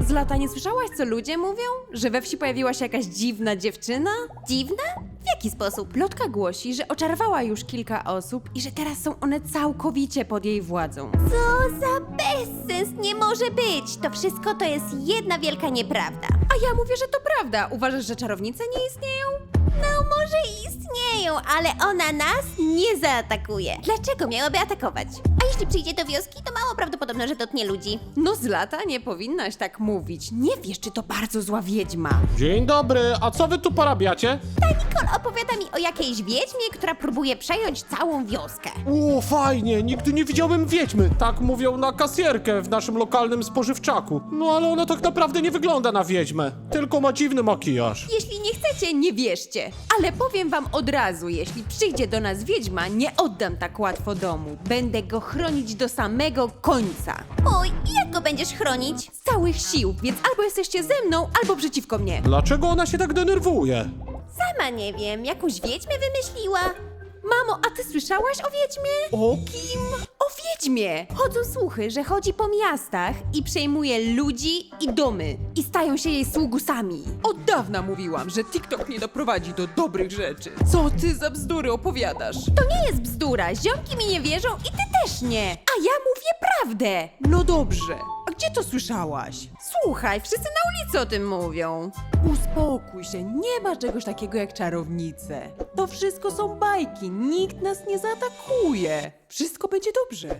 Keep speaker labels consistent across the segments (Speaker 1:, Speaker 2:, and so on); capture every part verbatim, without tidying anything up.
Speaker 1: Zlata, nie słyszałaś, co ludzie mówią? Że we wsi pojawiła się jakaś dziwna dziewczyna?
Speaker 2: Dziwna? W jaki sposób?
Speaker 1: Plotka głosi, że oczarowała już kilka osób i że teraz są one całkowicie pod jej władzą.
Speaker 2: Co za bezsens, nie może być! To wszystko to jest jedna wielka nieprawda.
Speaker 1: A ja mówię, że to prawda. Uważasz, że czarownice nie istnieją?
Speaker 2: No może i istnieją, ale ona nas nie zaatakuje. Dlaczego miałaby atakować? A jeśli przyjdzie do wioski, to mało prawdopodobne, że dotknie ludzi.
Speaker 1: No Zlata, nie powinnaś tak mówić. Nie wiesz, czy to bardzo zła wiedźma.
Speaker 3: Dzień dobry, a co wy tu porabiacie?
Speaker 2: Ta Nicole opowiada mi o jakiejś wiedźmie, która próbuje przejąć całą wioskę.
Speaker 3: O, fajnie, nigdy nie widziałem wiedźmy. Tak mówią na kasjerkę w naszym lokalnym spożywczaku. No ale ona tak naprawdę nie wygląda na wiedźmę, tylko ma dziwny makijaż.
Speaker 1: Jeśli nie chcecie, nie wierzcie. Ale powiem wam od razu, jeśli przyjdzie do nas wiedźma, nie oddam tak łatwo domu. Będę go chronić do samego końca.
Speaker 2: Oj, i jak go będziesz chronić?
Speaker 1: Z całych sił, więc albo jesteście ze mną, albo przeciwko mnie.
Speaker 3: Dlaczego ona się tak denerwuje?
Speaker 2: Sama nie wiem, jakąś wiedźmę wymyśliła?
Speaker 1: Mamo, a ty słyszałaś o wiedźmie?
Speaker 3: O kim?
Speaker 1: O wiedźmie! Chodzą słuchy, że chodzi po miastach i przejmuje ludzi i domy. I stają się jej sługusami. Od dawna mówiłam, że TikTok nie doprowadzi do dobrych rzeczy. Co ty za bzdury opowiadasz?
Speaker 2: To nie jest bzdura, ziomki mi nie wierzą i ty też nie.
Speaker 1: A ja mówię prawdę! No dobrze. A gdzie to słyszałaś? Słuchaj, wszyscy na ulicy o tym mówią. Uspokój się, nie ma czegoś takiego jak czarownice. To wszystko są bajki, nikt nas nie zaatakuje. Wszystko będzie dobrze.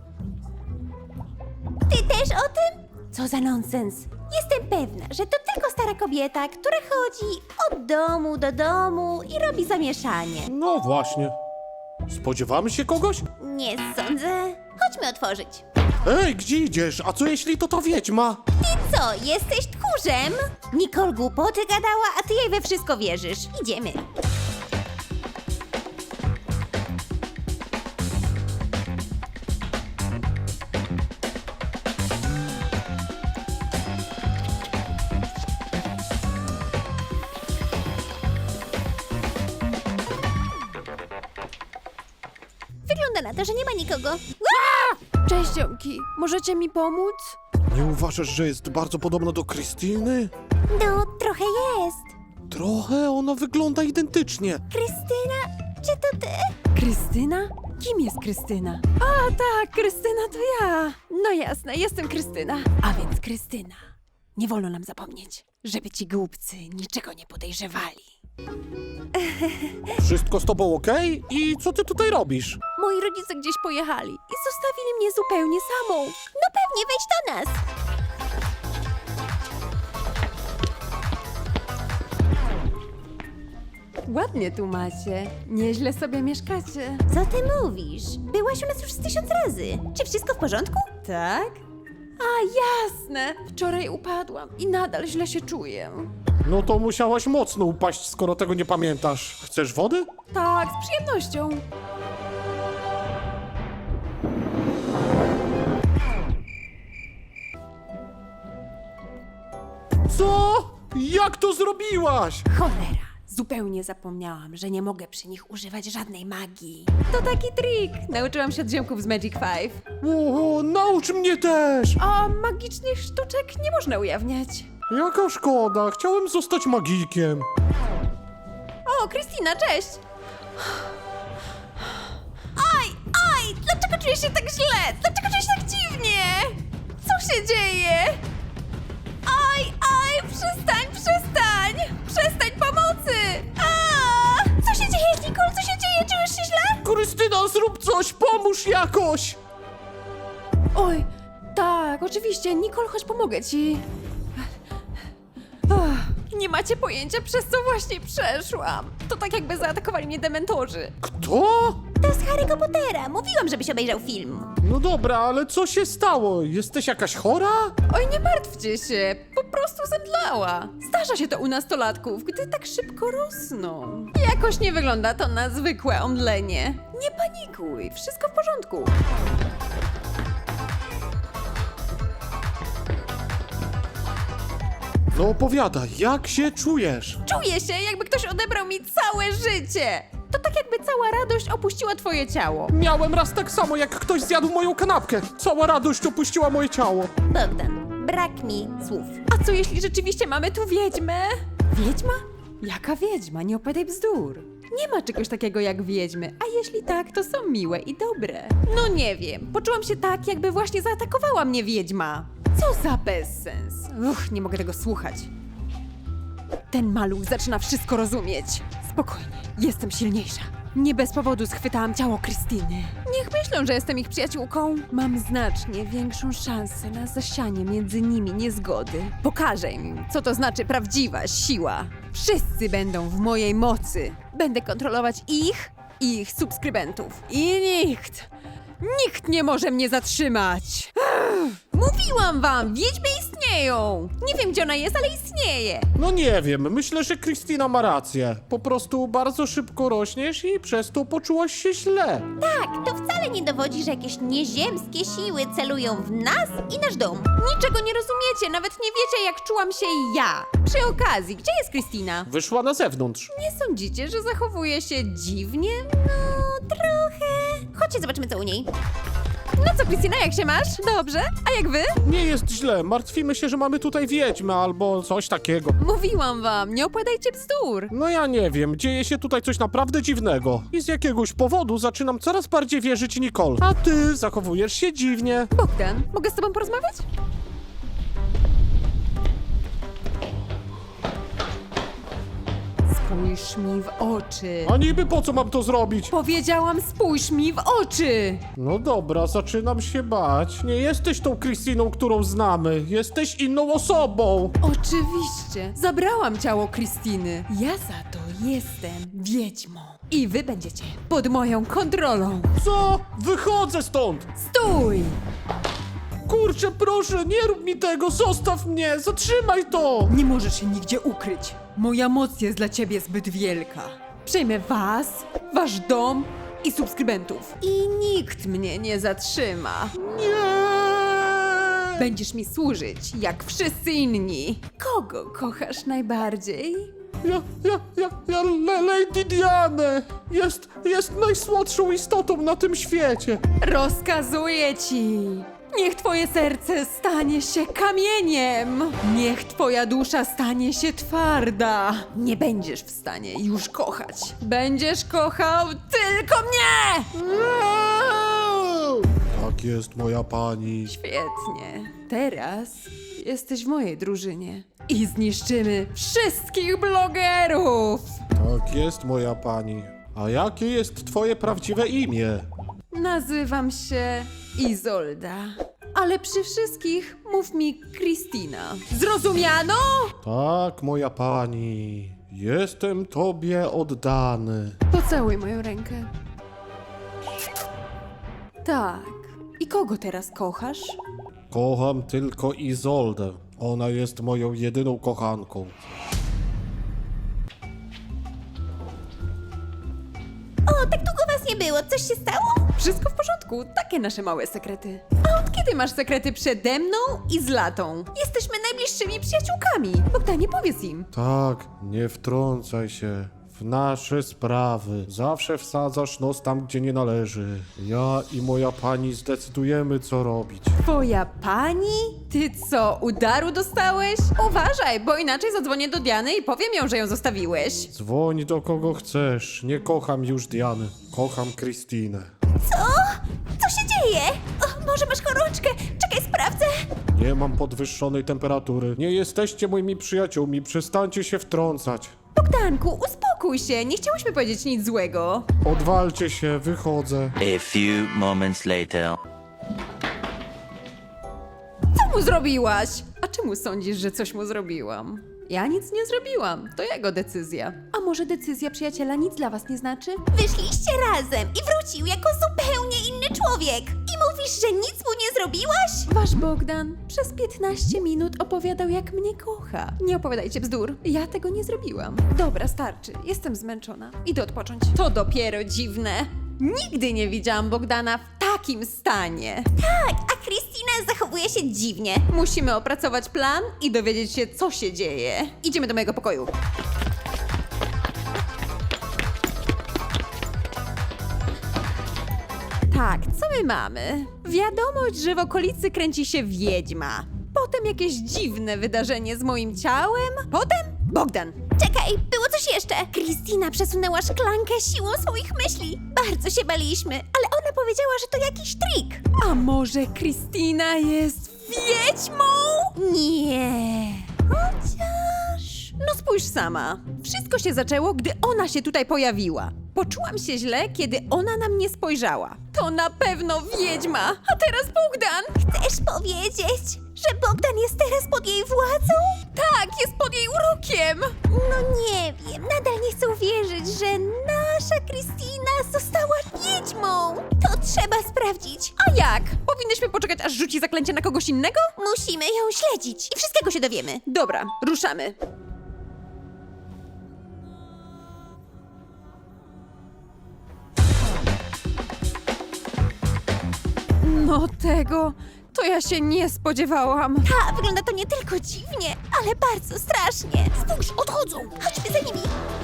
Speaker 2: Ty też o tym? Co za nonsens. Jestem pewna, że to tylko stara kobieta, która chodzi od domu do domu i robi zamieszanie.
Speaker 3: No właśnie. Spodziewamy się kogoś?
Speaker 2: Nie sądzę. Chodźmy otworzyć.
Speaker 3: Ej, gdzie idziesz? A co jeśli to ta wiedźma?
Speaker 2: Ty co, jesteś tchórzem? Nicole głupoty gadała, a ty jej we wszystko wierzysz. Idziemy. Wygląda na to, że nie ma nikogo.
Speaker 1: Cześć, ziomki. Możecie mi pomóc?
Speaker 3: Nie uważasz, że jest bardzo podobna do Krystyny?
Speaker 2: No, trochę jest.
Speaker 3: Trochę, ona wygląda identycznie.
Speaker 2: Krystyna, czy to ty?
Speaker 1: Krystyna? Kim jest Krystyna? A tak, Krystyna to ja. No jasne, jestem Krystyna. A więc Krystyna. Nie wolno nam zapomnieć, żeby ci głupcy niczego nie podejrzewali.
Speaker 3: Wszystko z tobą okej? I co ty tutaj robisz?
Speaker 1: Moi rodzice gdzieś pojechali i zostawili mnie zupełnie samą.
Speaker 2: No pewnie, wejdź do nas.
Speaker 1: Ładnie tu macie. Nieźle sobie mieszkacie.
Speaker 2: Co ty mówisz? Byłaś u nas już z tysiąc razy. Czy wszystko w porządku?
Speaker 1: Tak? A jasne. Wczoraj upadłam i nadal źle się czuję.
Speaker 3: No to musiałaś mocno upaść, skoro tego nie pamiętasz. Chcesz wody?
Speaker 1: Tak, z przyjemnością.
Speaker 3: Co? Jak to zrobiłaś?
Speaker 1: Cholera, zupełnie zapomniałam, że nie mogę przy nich używać żadnej magii. To taki trik. Nauczyłam się od ziomków z Magic Five.
Speaker 3: O, naucz mnie też!
Speaker 1: A magicznych sztuczek nie można ujawniać.
Speaker 3: Jaka szkoda, chciałem zostać magikiem.
Speaker 1: O, Krystyna, cześć!
Speaker 2: Oj, oj, dlaczego czujesz się tak źle? Dlaczego czujesz się tak dziwnie?
Speaker 1: Co się dzieje?
Speaker 2: Oj, oj, przestań, przestań! Przestań pomocy! A! Co się dzieje, Nicole? Co się dzieje? Czujesz się źle?
Speaker 3: Krystyna, zrób coś, pomóż jakoś!
Speaker 1: Oj, tak, oczywiście. Nicole, chodź, pomogę ci. Ach, nie macie pojęcia, przez co właśnie przeszłam. To tak jakby zaatakowali mnie dementorzy.
Speaker 3: Kto?
Speaker 2: To z Harry'ego Pottera. Mówiłam, żebyś obejrzał film.
Speaker 3: No dobra, ale co się stało? Jesteś jakaś chora?
Speaker 1: Oj, nie martwcie się, po prostu zemdlała. Zdarza się to u nastolatków, gdy tak szybko rosną. Jakoś nie wygląda to na zwykłe omdlenie. Nie panikuj, wszystko w porządku.
Speaker 3: No opowiadaj, jak się czujesz?
Speaker 1: Czuję się, jakby ktoś odebrał mi całe życie. To tak jakby cała radość opuściła twoje ciało.
Speaker 3: Miałem raz tak samo, jak ktoś zjadł moją kanapkę. Cała radość opuściła moje ciało.
Speaker 2: Bogdan, Brak mi słów.
Speaker 1: A co jeśli rzeczywiście mamy tu wiedźmę? Wiedźma? Jaka wiedźma? Nie opowiadaj bzdur. Nie ma czegoś takiego jak wiedźmy, a jeśli tak, to są miłe i dobre. No nie wiem, poczułam się tak, jakby właśnie zaatakowała mnie wiedźma. Co za bezsens. Uch, nie mogę tego słuchać. Ten maluch zaczyna wszystko rozumieć. Spokojnie, jestem silniejsza. Nie bez powodu schwytałam ciało Krystyny. Niech myślą, że jestem ich przyjaciółką. Mam znacznie większą szansę na zasianie między nimi niezgody. Pokażę im, co to znaczy prawdziwa siła. Wszyscy będą w mojej mocy. Będę kontrolować ich i ich subskrybentów. I nikt, nikt nie może mnie zatrzymać. Ech, mówiłam wam, wiedźmy istnieją. Nie wiem, gdzie ona jest, ale istnieje.
Speaker 3: No nie wiem, myślę, że Krystyna ma rację. Po prostu bardzo szybko rośniesz i przez to poczułaś się źle.
Speaker 2: Tak, to wcale nie dowodzi, że jakieś nieziemskie siły celują w nas i nasz dom.
Speaker 1: Niczego nie rozumiecie, nawet nie wiecie, jak czułam się ja. Przy okazji, gdzie jest Krystyna?
Speaker 3: Wyszła na zewnątrz.
Speaker 1: Nie sądzicie, że zachowuje się dziwnie?
Speaker 2: No, trochę. Chodźcie, zobaczymy co u niej.
Speaker 1: No co, Krystyna, jak się masz? Dobrze? A jak wy?
Speaker 3: Nie jest źle, martwimy się, że mamy tutaj wiedźmę albo coś takiego.
Speaker 1: Mówiłam wam, nie opowiadajcie bzdur.
Speaker 3: No ja nie wiem, dzieje się tutaj coś naprawdę dziwnego. I z jakiegoś powodu zaczynam coraz bardziej wierzyć Nicole. A ty zachowujesz się dziwnie.
Speaker 1: Bogdan, mogę z tobą porozmawiać? Spójrz mi w oczy.
Speaker 3: A niby po co mam to zrobić?
Speaker 1: Powiedziałam, spójrz mi w oczy.
Speaker 3: No dobra, zaczynam się bać. Nie jesteś tą Krystyną, którą znamy. Jesteś inną osobą.
Speaker 1: Oczywiście. Zabrałam ciało Krystyny. Ja za to jestem wiedźmą. I wy będziecie pod moją kontrolą.
Speaker 3: Co? Wychodzę stąd!
Speaker 1: Stój!
Speaker 3: Kurczę, proszę, nie rób mi tego, zostaw mnie, zatrzymaj to!
Speaker 1: Nie możesz się nigdzie ukryć. Moja moc jest dla ciebie zbyt wielka. Przejmę was, wasz dom i subskrybentów. I nikt mnie nie zatrzyma.
Speaker 3: Nie!
Speaker 1: Będziesz mi służyć, jak wszyscy inni. Kogo kochasz najbardziej?
Speaker 3: Ja, ja, ja, ja, Le- Lady Diane! Jest, jest najsłodszą istotą na tym świecie.
Speaker 1: Rozkazuję ci. Niech twoje serce stanie się kamieniem. Niech twoja dusza stanie się twarda. Nie będziesz w stanie już kochać. Będziesz kochał tylko mnie!
Speaker 3: Tak jest, moja pani.
Speaker 1: Świetnie. Teraz jesteś w mojej drużynie. I zniszczymy wszystkich blogerów!
Speaker 3: Tak jest, moja pani. A jakie jest twoje prawdziwe imię?
Speaker 1: Nazywam się Izolda. Ale przy wszystkich mów mi Krystyna. Zrozumiano?
Speaker 3: Tak, moja pani. Jestem tobie oddany.
Speaker 1: Pocałuj moją rękę. Tak. I kogo teraz kochasz?
Speaker 3: Kocham tylko Izoldę. Ona jest moją jedyną kochanką.
Speaker 2: O, tak długo was nie było. Coś się stało?
Speaker 1: Wszystko w porządku, takie nasze małe sekrety. A od kiedy masz sekrety przede mną i z Latą?
Speaker 2: Jesteśmy najbliższymi przyjaciółkami.
Speaker 1: Bogdanie, powiedz im.
Speaker 3: Tak, nie wtrącaj się w nasze sprawy. Zawsze wsadzasz nos tam, gdzie nie należy. Ja i moja pani zdecydujemy, co robić.
Speaker 1: Twoja pani? Ty co, udaru dostałeś? Uważaj, bo inaczej zadzwonię do Diany i powiem ją, że ją zostawiłeś.
Speaker 3: Dzwoń do kogo chcesz. Nie kocham już Diany. Kocham Krystynę.
Speaker 2: Co? Co się dzieje? O, może masz gorączkę? Czekaj, sprawdzę.
Speaker 3: Nie mam podwyższonej temperatury. Nie jesteście moimi przyjaciółmi. Przestańcie się wtrącać.
Speaker 1: Bogdanku, uspokój się, nie chciałyśmy powiedzieć nic złego.
Speaker 3: Odwalcie się, wychodzę.
Speaker 4: A few moments later.
Speaker 1: Co mu zrobiłaś? A czemu sądzisz, że coś mu zrobiłam? Ja nic nie zrobiłam, to jego decyzja. A może decyzja przyjaciela nic dla was nie znaczy?
Speaker 2: Wyszliście razem i wrócił jako zupełnie inny człowiek. I mówisz, że nic mu nie zrobiłaś?
Speaker 1: Wasz Bogdan przez piętnaście minut opowiadał, jak mnie kocha. Nie opowiadajcie bzdur, ja tego nie zrobiłam. Dobra, starczy, jestem zmęczona. Idę odpocząć. To dopiero dziwne. Nigdy nie widziałam Bogdana w takim stanie.
Speaker 2: Tak, a Krystyna zachowuje się dziwnie.
Speaker 1: Musimy opracować plan i dowiedzieć się, co się dzieje. Idziemy do mojego pokoju. Tak, co my mamy? Wiadomość, że w okolicy kręci się wiedźma. Po Potem jakieś dziwne wydarzenie z moim ciałem. Potem Bogdan.
Speaker 2: Czekaj, było coś jeszcze. Kristina przesunęła szklankę siłą swoich myśli. Bardzo się baliśmy, ale ona powiedziała, że to jakiś trik.
Speaker 1: A może Kristina jest wiedźmą?
Speaker 2: Nie. Chociaż...
Speaker 1: No spójrz sama. Wszystko się zaczęło, gdy ona się tutaj pojawiła. Poczułam się źle, kiedy ona na mnie spojrzała. To na pewno wiedźma. A teraz Bogdan.
Speaker 2: Chcesz powiedzieć, że Bogdan jest teraz pod jej władzą?
Speaker 1: Tak, jest pod jej urokiem.
Speaker 2: No nie wiem, nadal nie chcę uwierzyć, że nasza Kristina została wiedźmą. To trzeba sprawdzić.
Speaker 1: A jak? Powinnyśmy poczekać, aż rzuci zaklęcie na kogoś innego?
Speaker 2: Musimy ją śledzić i wszystkiego się dowiemy.
Speaker 1: Dobra, ruszamy. No tego, to ja się nie spodziewałam.
Speaker 2: Ta, wygląda to nie tylko dziwnie, ale bardzo strasznie. Spójrz, odchodzą. Chodźmy za nimi.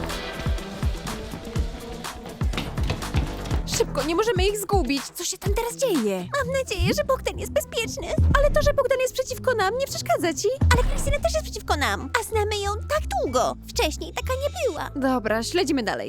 Speaker 1: Szybko, nie możemy ich zgubić. Co się tam teraz dzieje?
Speaker 2: Mam nadzieję, że Bogdan jest bezpieczny.
Speaker 1: Ale to, że Bogdan jest przeciwko nam, nie przeszkadza ci?
Speaker 2: Ale Krystyna też jest przeciwko nam, a znamy ją tak długo. Wcześniej taka nie była.
Speaker 1: Dobra, śledzimy dalej.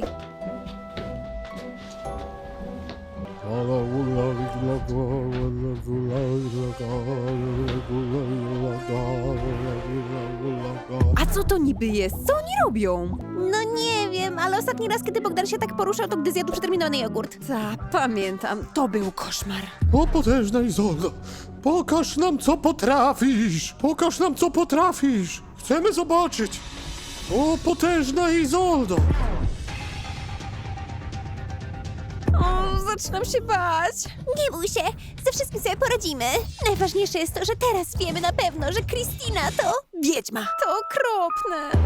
Speaker 1: A co to niby jest? Co oni robią?
Speaker 2: No nie wiem, ale ostatni raz, kiedy Bogdan się tak poruszał, to gdy zjadł przeterminowany jogurt.
Speaker 1: Ta, pamiętam. To był koszmar.
Speaker 3: O potężna Izoldo, pokaż nam co potrafisz! Pokaż nam co potrafisz! Chcemy zobaczyć! O potężna Izoldo!
Speaker 1: O, zaczynam się bać.
Speaker 2: Nie bój się, ze wszystkim sobie poradzimy. Najważniejsze jest to, że teraz wiemy na pewno, że Kristina to...
Speaker 1: Wiedźma. To okropne.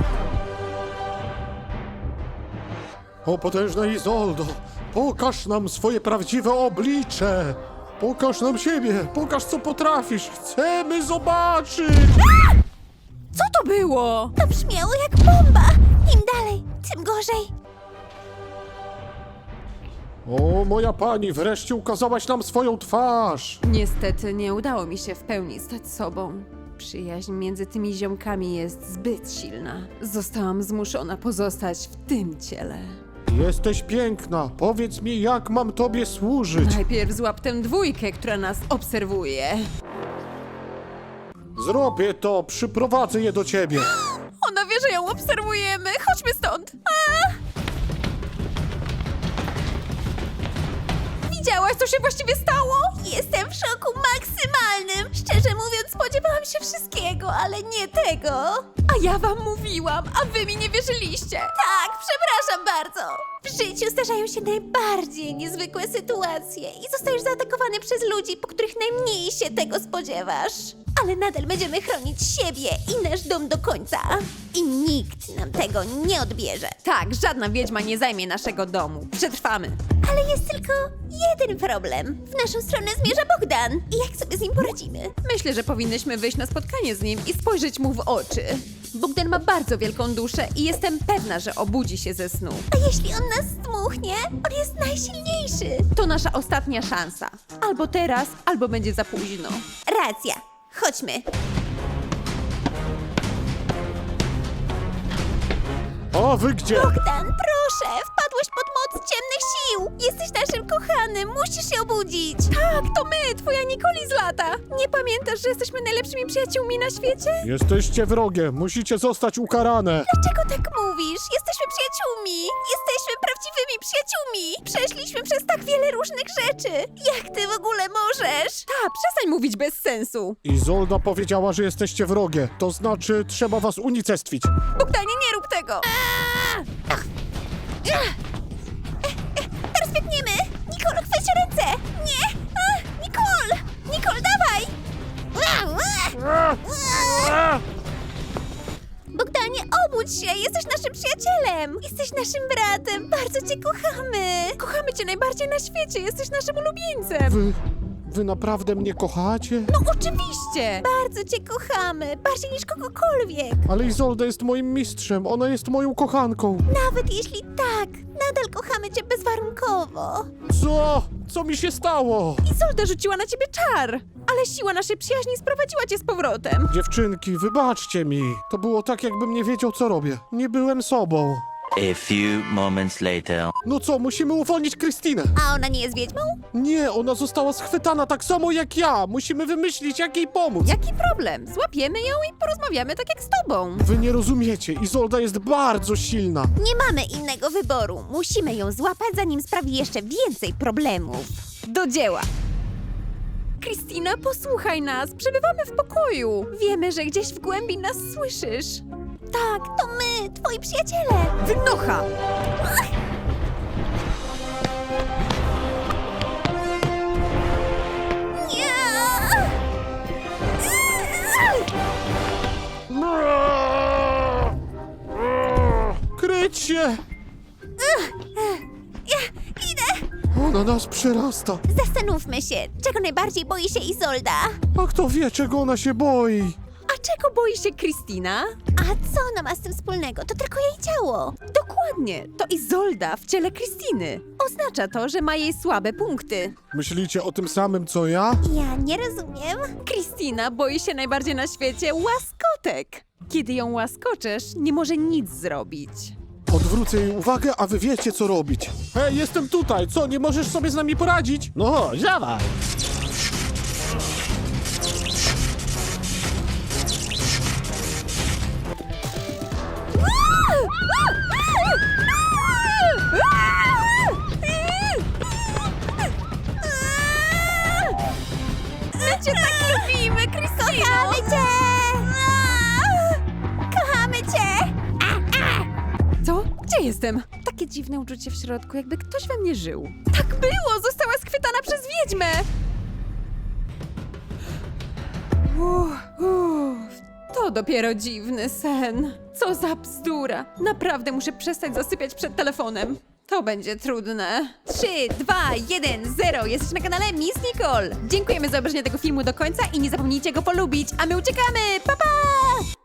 Speaker 3: O potężna Izoldo, pokaż nam swoje prawdziwe oblicze! Pokaż nam siebie, pokaż co potrafisz! Chcemy zobaczyć!
Speaker 1: Co to było?
Speaker 2: To brzmiało jak bomba. Im dalej, tym gorzej.
Speaker 3: O moja pani, wreszcie ukazałaś nam swoją twarz!
Speaker 1: Niestety nie udało mi się w pełni stać sobą. Przyjaźń między tymi ziomkami jest zbyt silna. Zostałam zmuszona pozostać w tym ciele.
Speaker 3: Jesteś piękna, powiedz mi jak mam tobie służyć?
Speaker 1: Najpierw złap tę dwójkę, która nas obserwuje.
Speaker 3: Zrobię to, przyprowadzę je do ciebie.
Speaker 1: Ona wie, że ją obserwujemy. Chodźmy stąd. A! Widziałaś, co się właściwie stało?
Speaker 2: Jestem w szoku maksymalnym. Szczerze mówiąc, spodziewałam się wszystkiego, ale nie tego.
Speaker 1: A ja wam mówiłam, a wy mi nie wierzyliście.
Speaker 2: Tak, przepraszam bardzo. W życiu zdarzają się najbardziej niezwykłe sytuacje i zostajesz zaatakowany przez ludzi, po których najmniej się tego spodziewasz. Ale nadal będziemy chronić siebie i nasz dom do końca. I nikt nam tego nie odbierze.
Speaker 1: Tak, żadna wiedźma nie zajmie naszego domu. Przetrwamy.
Speaker 2: Ale jest tylko jeden problem. W naszą stronę zmierza Bogdan. I jak sobie z nim poradzimy?
Speaker 1: Myślę, że powinnyśmy wyjść na spotkanie z nim i spojrzeć mu w oczy. Bogdan ma bardzo wielką duszę i jestem pewna, że obudzi się ze snu.
Speaker 2: A jeśli on nas zdmuchnie? On jest najsilniejszy.
Speaker 1: To nasza ostatnia szansa. Albo teraz, albo będzie za późno.
Speaker 2: Racja. Chodźmy.
Speaker 3: A wy gdzie?
Speaker 2: Bogdan, proszę, wpadłeś pod moc ciemnych sił. Jesteś naszym kochanym, musisz się obudzić.
Speaker 1: Tak, to my, twoja Nikoli z lata. Nie pamiętasz, że jesteśmy najlepszymi przyjaciółmi na świecie?
Speaker 3: Jesteście wrogie, musicie zostać ukarane.
Speaker 2: Dlaczego tak mówisz? Jesteśmy przyjaciółmi. Jesteśmy prawdziwymi przyjaciółmi. Przeszliśmy przez tak wiele różnych rzeczy. Jak ty w ogóle możesz?
Speaker 1: Ta, przestań mówić bez sensu.
Speaker 3: Izolda powiedziała, że jesteście wrogie. To znaczy, trzeba was unicestwić.
Speaker 1: Bogdanie, nie rób tego.
Speaker 2: Teraz biegniemy. Nicole, chwyć ręce. Nie. A, Nicole. Nicole, dawaj. Bogdanie, obudź się! Jesteś naszym przyjacielem! Jesteś naszym bratem! Bardzo cię kochamy!
Speaker 1: Kochamy cię najbardziej na świecie, jesteś naszym ulubieńcem.
Speaker 3: Wy Wy naprawdę mnie kochacie?
Speaker 1: No oczywiście!
Speaker 2: Bardzo cię kochamy, bardziej niż kogokolwiek.
Speaker 3: Ale Izolda jest moim mistrzem, ona jest moją kochanką.
Speaker 2: Nawet jeśli tak, nadal kochamy cię bezwarunkowo.
Speaker 3: Co? Co mi się stało?
Speaker 1: Izolda rzuciła na ciebie czar, ale siła naszej przyjaźni sprowadziła cię z powrotem.
Speaker 3: Dziewczynki, wybaczcie mi. To było tak, jakbym nie wiedział, co robię. Nie byłem sobą.
Speaker 4: A few moments later.
Speaker 3: No co, musimy uwolnić Krystynę.
Speaker 2: A ona nie jest wiedźmą?
Speaker 3: Nie, ona została schwytana tak samo jak ja. Musimy wymyślić, jak jej pomóc.
Speaker 1: Jaki problem? Złapiemy ją i porozmawiamy tak jak z tobą.
Speaker 3: Wy nie rozumiecie, Izolda jest bardzo silna.
Speaker 2: Nie mamy innego wyboru. Musimy ją złapać, zanim sprawi jeszcze więcej problemów.
Speaker 1: Do dzieła! Kristina, posłuchaj nas, przebywamy w pokoju. Wiemy, że gdzieś w głębi nas słyszysz.
Speaker 2: Tak, to my, twoi przyjaciele.
Speaker 1: Wynocha!
Speaker 2: Nie!
Speaker 3: Kryć się!
Speaker 2: Idę!
Speaker 3: Ona nas przerasta.
Speaker 2: Zastanówmy się, czego najbardziej boi się Izolda.
Speaker 3: A kto wie, czego ona się boi?
Speaker 1: A czego boi się Kristina?
Speaker 2: A co ona ma z tym wspólnego? To tylko jej ciało.
Speaker 1: Dokładnie, to Izolda w ciele Kristiny. Oznacza to, że ma jej słabe punkty.
Speaker 3: Myślicie o tym samym, co ja?
Speaker 2: Ja nie rozumiem.
Speaker 1: Kristina boi się najbardziej na świecie łaskotek. Kiedy ją łaskoczesz, nie może nic zrobić.
Speaker 3: Odwrócę jej uwagę, a wy wiecie, co robić. Hej, jestem tutaj! Co, nie możesz sobie z nami poradzić? No, dawaj!
Speaker 1: My cię tak lubimy, Kristino!
Speaker 2: Kochamy cię! Kochamy cię!
Speaker 1: Co? Gdzie jestem? Takie dziwne uczucie w środku, jakby ktoś we mnie żył. Tak było! Została schwytana przez wiedźmę! Uff, uff, to dopiero dziwny sen. Co za bzdura. Naprawdę muszę przestać zasypiać przed telefonem. To będzie trudne. trzy, dwa, jeden, zero. Jesteś na kanale Miss Nicole. Dziękujemy za obejrzenie tego filmu do końca i nie zapomnijcie go polubić, a my uciekamy! Pa, pa!